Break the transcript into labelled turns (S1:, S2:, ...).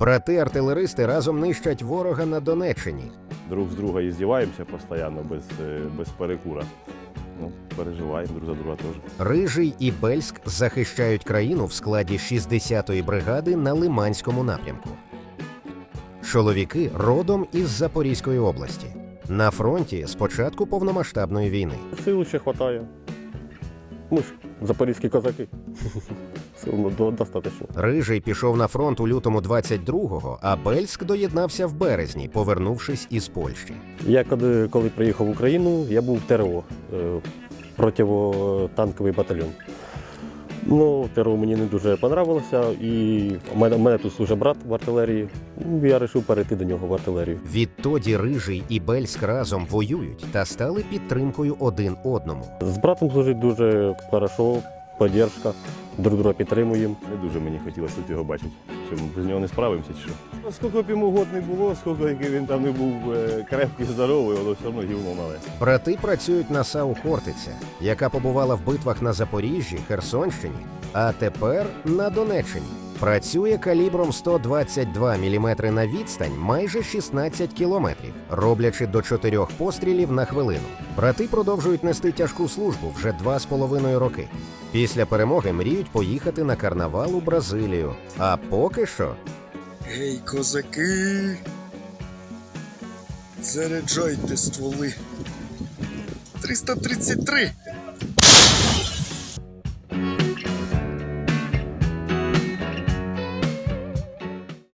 S1: Брати-артилеристи разом нищать ворога на Донеччині.
S2: Друг з друга іздіваємося постійно, без перекура. Ну, переживаємо друг за друга теж.
S1: Рижий і Бельськ захищають країну в складі 60-ї бригади на Лиманському напрямку. Чоловіки родом із Запорізької області. На фронті з початку повномасштабної війни.
S3: Сил ще вистачає. Ми ж запорізькі козаки. Сил достатньо.
S1: Рижий пішов на фронт у лютому 22-го, а Бельськ доєднався в березні, повернувшись із Польщі.
S3: Я коли приїхав в Україну, я був в ТРО, противотанковий батальйон. Ну, ТРО мені не дуже понравилося, і в мене тут служить брат в артилерії. Я вирішив перейти до нього в артилерію.
S1: Відтоді Рижий і Бельськ разом воюють та стали підтримкою один одному.
S3: З братом служить дуже хорошо, підтримка, друг друга підтримуємо.
S2: Не дуже мені хотілося тут його бачити. Що ми без нього не справимося чи що? Скільки б йому год не було, скільки він там не був крепкий, здоровий, воно все одно гівно мале.
S1: Брати працюють на САУ «Хортиця», яка побувала в битвах на Запоріжжі, Херсонщині, а тепер на Донеччині. Працює калібром 122 мм на відстань майже 16 кілометрів, роблячи до 4 пострілів на хвилину. Брати продовжують нести тяжку службу вже 2,5 роки. Після перемоги мріють поїхати на карнавал у Бразилію. А поки що...
S4: Гей, козаки! Заряджайте стволи. 333!